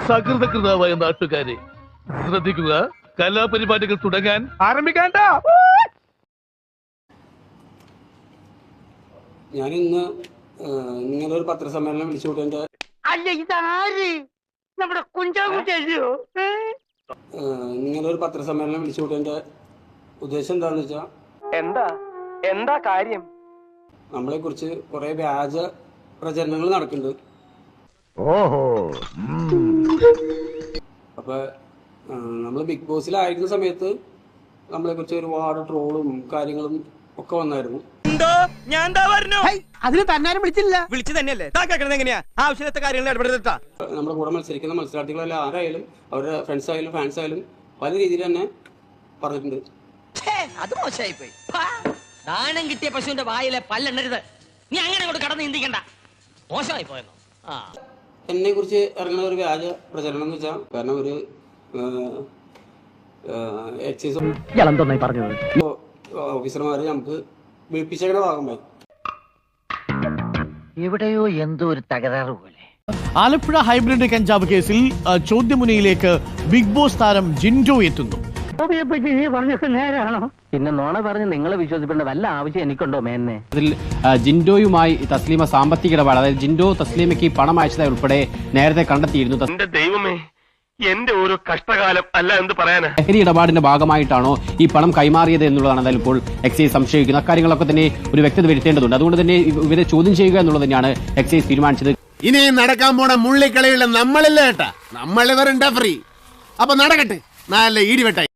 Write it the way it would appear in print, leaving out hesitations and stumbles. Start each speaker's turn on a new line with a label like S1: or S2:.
S1: സകൃതകൃതാവായ നാട്ടുകാരെ ശ്രദ്ധിക്കുക, കലാപരിപാടികൾ തുടങ്ങാൻ ആരംഭിക്കാണ്ട.
S2: ഞാൻ ഇന്ന് നിങ്ങളൊരു പത്രസമ്മേളനം വിളിച്ചുകൂട്ടേണ്ട നിങ്ങളൊരു പത്രസമ്മേളനം വിളിച്ചുകൂട്ടേണ്ട ഉദ്ദേശം എന്താന്ന് വെച്ചാ
S3: എന്താ കാര്യം?
S2: നമ്മളെ കുറിച്ച് കുറെ വ്യാജ പ്രചരണങ്ങൾ നടക്കുന്നുണ്ട്. അപ്പൊ നമ്മൾ ബിഗ് ബോസിലായിരുന്ന സമയത്ത് നമ്മളെ കുറിച്ച് ഒരുപാട് ട്രോളും കാര്യങ്ങളും ഒക്കെ വന്നായിരുന്നു.
S3: അതിന് തന്നാരും വിളിച്ചു തന്നെയല്ലേ എങ്ങനെയാ ആവശ്യത്തെ കാര്യങ്ങൾ ഇടപെടുത്താ.
S2: നമ്മുടെ കൂടെ മത്സരിക്കുന്ന മത്സരാർത്ഥികളെല്ലാം ആരായാലും അവരുടെ ഫ്രണ്ട്സ് ആയാലും ഫാൻസ് ആയാലും പല രീതിയിൽ തന്നെ പറഞ്ഞിട്ടുണ്ട്.
S4: അത് മോശമായി പോയി. ദാനം കിട്ടിയ പശുവിന്റെ വായിലെ പല്ലെണ്ണരുത്. നീ അങ്ങനെ അങ്ങോട്ട് കടന്ന് ചിന്തിക്കണ്ട. മോശമായി പോയെന്നോ?
S2: എന്നെ കുറിച്ച് ഇറങ്ങുന്ന ഒരു വ്യാജ പ്രചരണം എന്ന് വെച്ചാൽ, കാരണം ഒരു എക്സൈസ് ഓഫീസർമാര് നമുക്ക് വിളിപ്പിച്ചേക്കണ ഭാഗമായി
S4: എവിടെയോ എന്തോ ഒരു തകരാറ് പോലെ.
S5: ആലപ്പുഴ ഹൈബ്രിഡ് കഞ്ചാവ് കേസിൽ ചോദ്യമുനയിലേക്ക് ബിഗ് ബോസ് താരം ജിൻഡോ എത്തുന്നു.
S4: പിന്നെ നോണ പറഞ്ഞ് നിങ്ങളെ വിശ്വസിക്കേണ്ട വല്ല ആവശ്യം എനിക്കുണ്ടോ മേന്നെ?
S6: അതിൽ ജിൻഡോയുമായി തസ്ലീമ സാമ്പത്തിക ഇടപാട്, അതായത് ജിൻഡോ തസ്ലീമയ്ക്ക് പണം അയച്ചതായി ഉൾപ്പെടെ നേരത്തെ കണ്ടെത്തിയിരുന്നു.
S7: എന്റെ ദൈവമേ, എന്റെ ഓരോ കഷ്ടകാലം അല്ല എന്ത് പറയാനാ.
S6: ലഹരി ഇടപാടിന്റെ ഭാഗമായിട്ടാണോ ഈ പണം കൈമാറിയത് എന്നുള്ളതാണ് എന്തായാലും ഇപ്പോൾ എക്സൈസ് സംശയിക്കുന്നത്. അക്കാര്യങ്ങളൊക്കെ തന്നെ ഒരു വ്യക്തത വരുത്തേണ്ടതുണ്ട്. അതുകൊണ്ട് തന്നെ ഇവരെ ചോദ്യം ചെയ്യുക എന്നുള്ളത് തന്നെയാണ് എക്സൈസ് തീരുമാനിച്ചത്.
S8: ഇനി നടക്കാൻ പോണ മുള്ളിക്കളിയുള്ള നമ്മളില്ല ഏട്ടാ, നമ്മളിവരുണ്ടാ ഫ്രീ. അപ്പൊ നടക്കട്ടെ, നല്ല ഈടിവെട്ടായി.